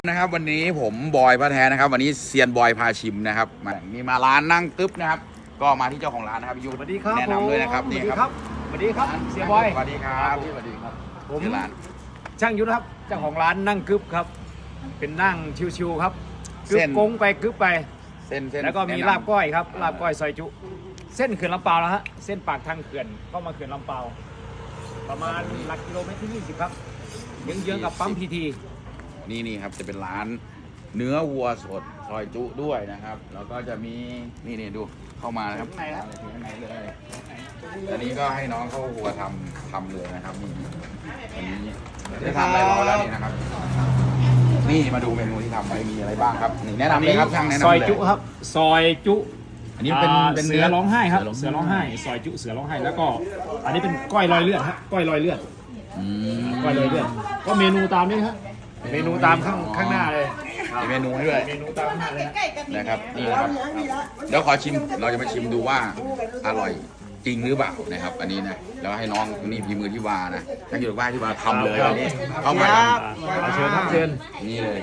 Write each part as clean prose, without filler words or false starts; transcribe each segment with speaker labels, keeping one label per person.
Speaker 1: นะครับวันนี้ผมบอยพระแท้นะครับวันนี้เซียนบอยพาชิมนะครับมีมาร้านนั่งตึ๊บนะครับก็มาที่เจ้าของร้านนะครับยูสวัสดีครับแนะนำเลยนะครับนี่ครับ
Speaker 2: สวัสดีครับเสียบอย
Speaker 1: สวัสดีครับสวัสดีครับ
Speaker 2: ผมช่างยุทธครับเจ้าของร้านนั่งกึ๊บครับเป็นนั่งชิวๆครับกึ๊บกงไปกึ๊บไป
Speaker 1: เส้น
Speaker 2: แล้วก็มีลาบก้อยครับลาบก้อยซอยจุเส้นเขื่อนลำปาวแล้วฮะเส้นปากทางเขื่อนเข้ามาเขื่อนลำปาวประมาณหลักกิโลเมตรที่20ครับเยื้องๆกับปั๊มพีที
Speaker 1: นี่ครับจะเป็นร้านเนื้อวัวสดซอยจุด้วยนะครับแล้วก็จะมีนี่ดูเข้ามานะครับข้างในเลยอันนี้ก็ให้น้องเข้าหัวทำเลยนะครับนี่อันนี้ได้ทำอะไรรอแล้วนี่นะครับนี่มาดูเมนูที่ทำไว้มีอะไรบ้างครับนี่แนะนำเลยครับช่างแนะนำเลย
Speaker 2: ซอยจุครับซอยจุ
Speaker 1: อันนี้เป็น
Speaker 2: เสือร้องไห้ครับเสือร้องไห้ซอยจุเสือร้องไห้แล้วก็อันนี้เป็นก้อยลอยเลือดฮะก้อยลอยเลือดก้อยลอยเลือดก็เมนูตามนี้ครับเมนูตามข้างหน้าเลย
Speaker 1: มีเมนูให้ด้วย
Speaker 2: เมนูตามข้างหน้าเลย
Speaker 1: นะครับนี่นะครับเดี๋ยวขอชิมเราจะมาชิมดูว่าอร่อยจริงหรือเปล่านะครับอันนี้นะแล้วให้น้องนี่พีมือที่วานะช่างอยู่ว่าที่วาทำเลยวันนี้เข้ามา
Speaker 2: เชิญครับเชิญ
Speaker 1: นี่เลย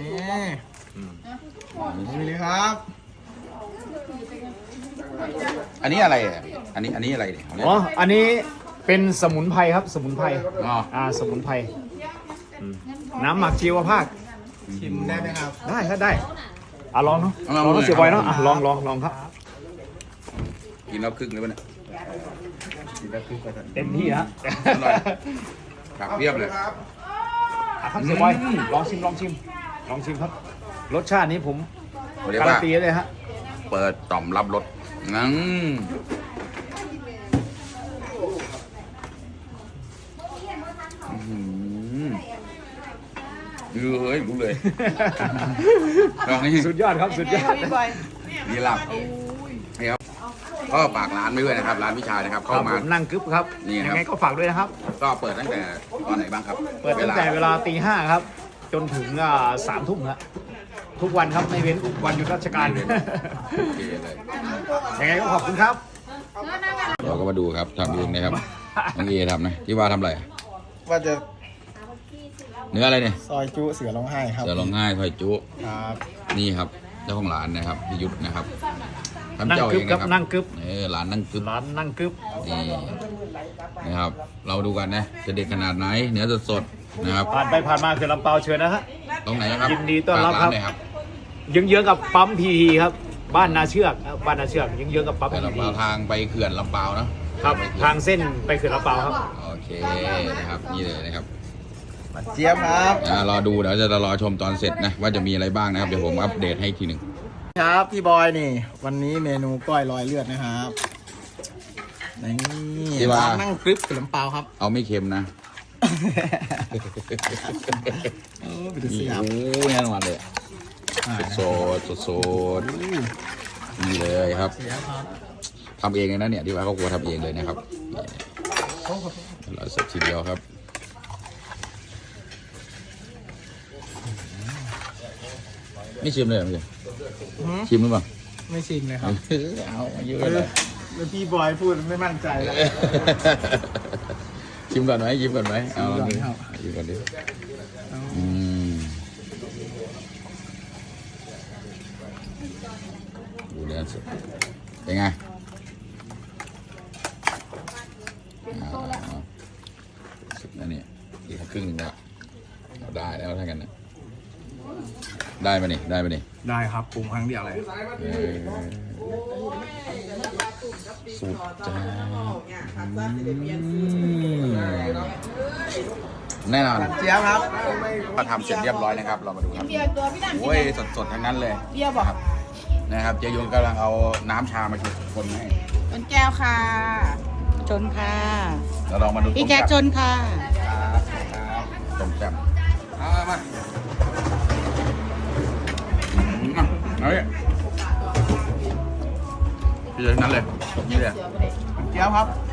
Speaker 3: นี่เลยครับ
Speaker 1: อันนี้อะไรอ่ะอันนี้อะไรเนี่ย
Speaker 2: อ๋ออันนี้เป็นสมุนไพรครับสมุนไพรสมุนไพรน้ำหมักชีวภาพ
Speaker 3: ชิมได้ไหมครับ
Speaker 2: ได้ครับได้ลองเนาะลองเสียบอยเนาะลองครับ
Speaker 1: กินแล้วครึ่งเลยป่ะเนี่ย
Speaker 2: กินแล้วครึ่งเต็มที่ฮะ
Speaker 1: ผักเรียบเลย
Speaker 2: ครับเสียบอยลองชิมครับรสชาตินี้ผมการันตีเลยฮะ
Speaker 1: เปิดต่อมรับรสงั้นรู้เลยลองนี่
Speaker 2: สุดยอดครับสุดยอด
Speaker 1: นี่ลับนี่ครับก็ฝากร้านไว้ด้วยนะครับร้านวิชานะครับเข้ามา
Speaker 2: นั่งกึ๊บครับยังไงก็ฝากด้วยนะครับ
Speaker 1: ก็เปิดตั้งแต่ตอนไหนบ้างครับ
Speaker 2: เปิดตั้งแต่เวลาตี 5ครับจนถึง3 ทุ่มครับทุกวันครับไม่เว้นวันหยุดราชการ
Speaker 1: โอเคเลย
Speaker 2: ยังไงก็ขอบคุณครับ
Speaker 1: เราก็มาดูครับทำเองนะครับน้องเอทำนะที่ว่าทำอะไร
Speaker 3: ว่าจะ
Speaker 1: เนื้ออะไรเนี่ย
Speaker 3: ซอยจุเสือร้องไห้ครับ
Speaker 1: เสือร้องไห้ซอยจุ
Speaker 3: ครับ
Speaker 1: นี่ครับเจ้าของร้านนะครับพี่ยุทธนะครับ
Speaker 2: ทำเจ้าเองนะครับนั่งกึ๊บ
Speaker 1: ร้านนั่งกึ๊บนี่นะครับเราดูกันนะจะเด็ดขนาดไหนเนื้อสดๆนะครับ
Speaker 2: ผ่านไปผ่านมาคือลำเปาเชิญนะฮะ
Speaker 1: ตรงไหนครับ
Speaker 2: ยินดีต้อนรับครับเยื้องๆกับปั๊มพีทีครับบ้านนาเชือกเยื้องๆกับปั๊มพีที
Speaker 1: ทางไปเขื่อนลำเปา
Speaker 2: นะครับทางเส้นไปเขื่อนลำเปาครับ
Speaker 1: โอเคนะครับนี่เลยนะครับ
Speaker 3: เจี๊ยบครับ
Speaker 1: รอดูเดี๋ยวจะรอชมตอนเสร็จนะว่าจะมีอะไรบ้างนะครับเดี๋ยวผมอัปเดตให้ทีหนึ่ง
Speaker 3: ครับพี่บอยนี่วันนี้เมนูก้อยลอยเลือดนะครับนี่ร้านนั่งกรึ๊บกับลำเปาครับ
Speaker 1: เอาไม่เค็มนะ
Speaker 3: ไปดูสิครับ
Speaker 1: แน่นอนเลยสดนี่เลยครับทำเองเลยนะเนี่ยที่ว่าเขาครัวทำเองเลยนะครับเราเสร็จทีเดียวครับไม่ชิมเลยเหรอพี่ชิมหรือเปล่า
Speaker 3: ไม่ชิมเลยครับ
Speaker 1: เอาเยอะเลย
Speaker 3: แล้วพี่บอยพูดไม่มั่นใจแล้ว
Speaker 1: ชิมก่อนไหมเอาลองดูชิมก่อนดิดูเนื้อสดเป็นไงสุดนะเนี่ยอีกครึ่งนึงแล้วได้แล้วทั้งกันนะได้ไหมนี่
Speaker 3: ได้ครับปรุงครั้งเดียวเลย
Speaker 1: สุดจ้าแน่นอน
Speaker 3: เจี๊ยบครับ
Speaker 1: มาทำเสร็จเรียบร้อยนะครับเรามาดูครับโอ้ยสดๆทั้งนั้นเลย
Speaker 4: เบียร์บอก
Speaker 1: นะครับเจยุนกำลังเอาน้ำชามาคนให้
Speaker 4: เป็นแก้วค่ะชนค่ะ
Speaker 1: เราลองมาดู
Speaker 4: พี่แจ็คชนค่ะ
Speaker 1: ต้มแซ่บมาเฮ้ยพี่เจนั้นเลยนี่เลย
Speaker 3: เจี๊ยบครับ